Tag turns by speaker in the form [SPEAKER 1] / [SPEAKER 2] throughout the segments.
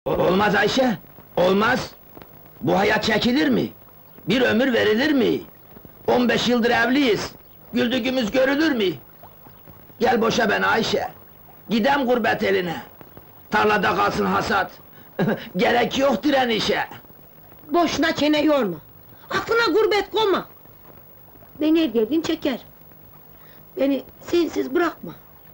[SPEAKER 1] Olmaz Ayşe, olmaz! Bu hayat çekilir mi? Bir ömür verilir mi? 15 yıldır evliyiz, güldüğümüz görülür mü? Gel boşa beni Ayşe, gidem gurbet eline. Tarlada kalsın hasat, gerek yok direnişe.
[SPEAKER 2] Boşuna çene yorma! Aklına gurbet koyma! Beni her geldiğin çeker! Beni sensiz bırakma!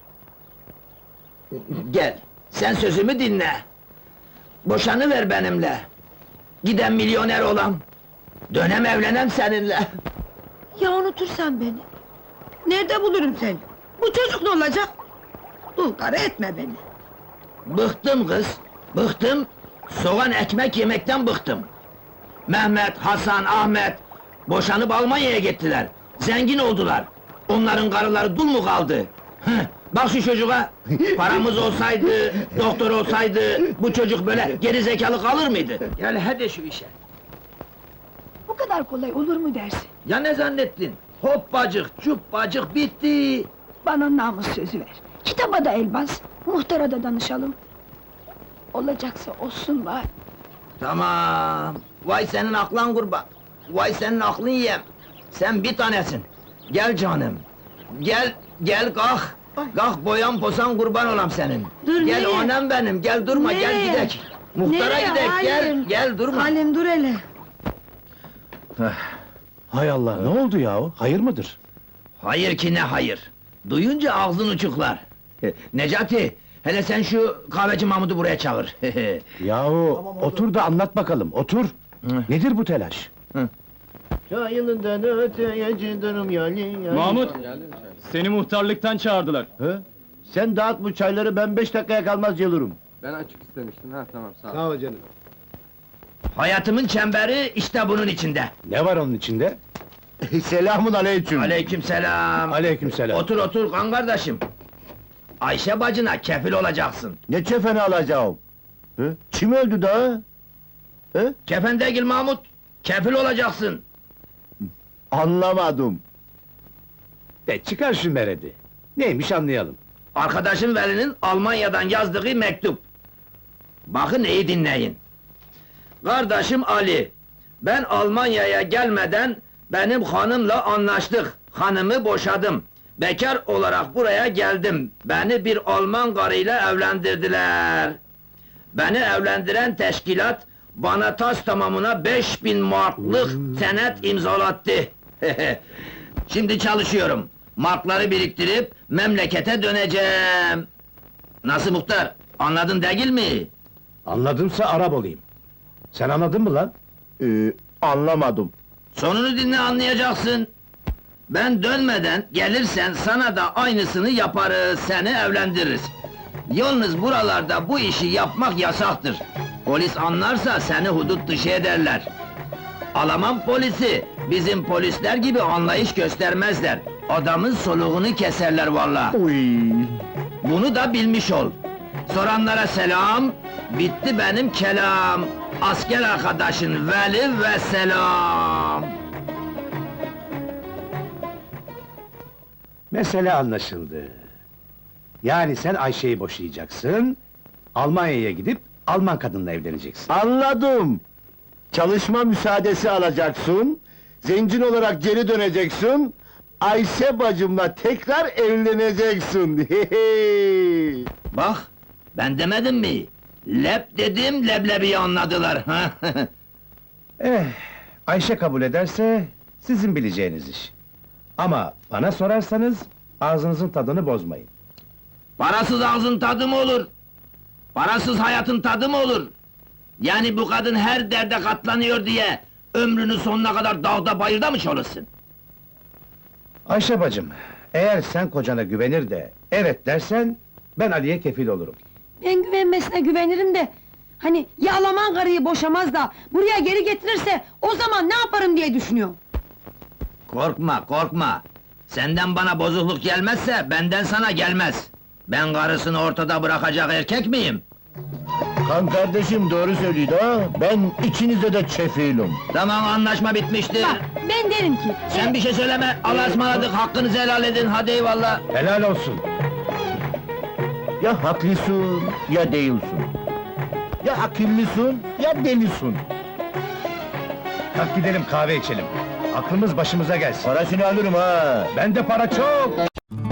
[SPEAKER 1] Gel, sen sözümü dinle. Boşanıver benimle. Gidem milyoner olam. Dönem evlenem seninle.
[SPEAKER 2] Ya unutursan beni? Nerede bulurum seni? Bu çocuk ne olacak? Dul karı etme beni!
[SPEAKER 1] Bıktım kız, bıktım. Soğan ekmek yemekten bıktım. Mehmet, Hasan, Ahmet boşanıp Almanya'ya gittiler. Zengin oldular. Onların karıları dul mu kaldı? Heh, bak şu çocuğa! Paramız olsaydı, doktor olsaydı bu çocuk böyle geri zekalı kalır mıydı? Gel hadi şu işe.
[SPEAKER 3] Bu kadar kolay olur mu dersin?
[SPEAKER 1] Ya ne zannettin? Hoppacık, cuppacık bitti.
[SPEAKER 3] Bana namus sözü ver. Kitaba da el bas, muhtara da danışalım. Olacaksa olsun bari.
[SPEAKER 1] Tamam. Vay senin aklın kurban. Vay senin aklın yem. Sen bir tanesin. Gel canım. Gel, gel kalk. Kalk boyan posan kurban olam senin.
[SPEAKER 2] Dur,
[SPEAKER 1] gel
[SPEAKER 2] nereye?
[SPEAKER 1] anam benim, gel durma, gel
[SPEAKER 2] Nereye?
[SPEAKER 1] gidek. Muhtara
[SPEAKER 2] Nereye
[SPEAKER 1] gidek, gel,
[SPEAKER 2] Halim?
[SPEAKER 1] gel durma.
[SPEAKER 2] Halim dur hele!
[SPEAKER 4] Hay Allah, ne oldu yahu? Hayır mıdır?
[SPEAKER 1] Hayır ki ne hayır. Duyunca ağzın uçuklar. Necati, hele sen şu kahveci Mahmud'u buraya çağır.
[SPEAKER 4] Yahu, otur da anlat bakalım, otur! Nedir bu telaş?
[SPEAKER 5] Çayılından öteye cidarım yani.
[SPEAKER 6] Mahmut, seni muhtarlıktan çağırdılar.
[SPEAKER 5] He? Sen dağıt bu çayları, ben 5 dakikaya kalmaz gelirim.
[SPEAKER 7] Ben açık istemiştim, ha tamam sağ ol.
[SPEAKER 5] Sağ ol canım.
[SPEAKER 1] Hayatımın çemberi işte bunun içinde.
[SPEAKER 4] Ne var onun içinde?
[SPEAKER 5] Selamun aleyküm.
[SPEAKER 1] Aleykümselam.
[SPEAKER 4] Aleykümselam.
[SPEAKER 1] Otur otur kan kardeşim. Ayşe bacına kefil olacaksın.
[SPEAKER 5] Ne çefeni alacağım? He? Kim öldü daha? He?
[SPEAKER 1] Kefen değil Mahmut, kefil olacaksın.
[SPEAKER 5] Anlamadım.
[SPEAKER 4] De çıkar şu meredi. Neymiş anlayalım.
[SPEAKER 1] Arkadaşım Veli'nin Almanya'dan yazdığı mektup. Bakın iyi dinleyin. Kardeşim Ali, ben Almanya'ya gelmeden benim hanımla anlaştık. Hanımı boşadım. Bekar olarak buraya geldim. Beni bir Alman karıyla evlendirdiler. Beni evlendiren teşkilat bana tas tamamına 5000 marklık senet imzalattı. Şimdi çalışıyorum. Markları biriktirip memlekete döneceğim. Nasıl muhtar? Anladın değil mi?
[SPEAKER 4] Anladımsa Arap olayım. Sen anladın mı lan?
[SPEAKER 5] Anlamadım.
[SPEAKER 1] Sonunu dinle anlayacaksın. Ben dönmeden gelirsen sana da aynısını yaparız, seni evlendiririz. Yalnız buralarda bu işi yapmak yasaktır. Polis anlarsa seni hudut dışı ederler. Alman polisi, bizim polisler gibi anlayış göstermezler. Adamın soluğunu keserler vallahi.
[SPEAKER 5] Uy.
[SPEAKER 1] Bunu da bilmiş ol. Soranlara selam, bitti benim kelam. Asker arkadaşın Veli ve selam.
[SPEAKER 4] Mesele anlaşıldı. Yani sen Ayşe'yi boşayacaksın, Almanya'ya gidip Alman kadınla evleneceksin.
[SPEAKER 5] Anladım. Çalışma müsaadesi alacaksın, zencin olarak geri döneceksin, Ayşe bacımla tekrar evleneceksin.
[SPEAKER 1] Bak, ben demedim mi? Lep dedim, leblebiyi anladılar.
[SPEAKER 4] Ayşe kabul ederse, sizin bileceğiniz iş. Ama bana sorarsanız, ağzınızın tadını bozmayın.
[SPEAKER 1] Parasız ağzın tadı mı olur? Parasız hayatın tadı mı olur? Yani bu kadın her derde katlanıyor diye... ...ömrünün sonuna kadar dağda bayırda mı çalışsın?
[SPEAKER 4] Ayşe bacım, eğer sen kocana güvenir de, evet dersen, ben Ali'ye kefil olurum.
[SPEAKER 2] Ben güvenmesine güvenirim de... Hani ya Alman karıyı boşamaz da... ...buraya geri getirirse... ...o zaman ne yaparım diye düşünüyorum.
[SPEAKER 1] Korkma, korkma! Senden bana bozukluk gelmezse, benden sana gelmez! Ben karısını ortada bırakacak erkek miyim?
[SPEAKER 5] Kan kardeşim doğru söylüyor ha, ben ikinize de çefilim.
[SPEAKER 1] Tamam, anlaşma bitmiştir!
[SPEAKER 2] Bak, ben derim ki...
[SPEAKER 1] Sen bir şey söyleme, Allah'a ısmarladık, hakkınızı helal edin, hadi eyvallah!
[SPEAKER 4] Helal olsun!
[SPEAKER 5] Ya haklısın, ya değilsin. Ya akıllısın ya delisin.
[SPEAKER 4] Kalk gidelim kahve içelim. Aklımız başımıza gelsin.
[SPEAKER 5] Parasını alırım ha.
[SPEAKER 4] Bende para çok.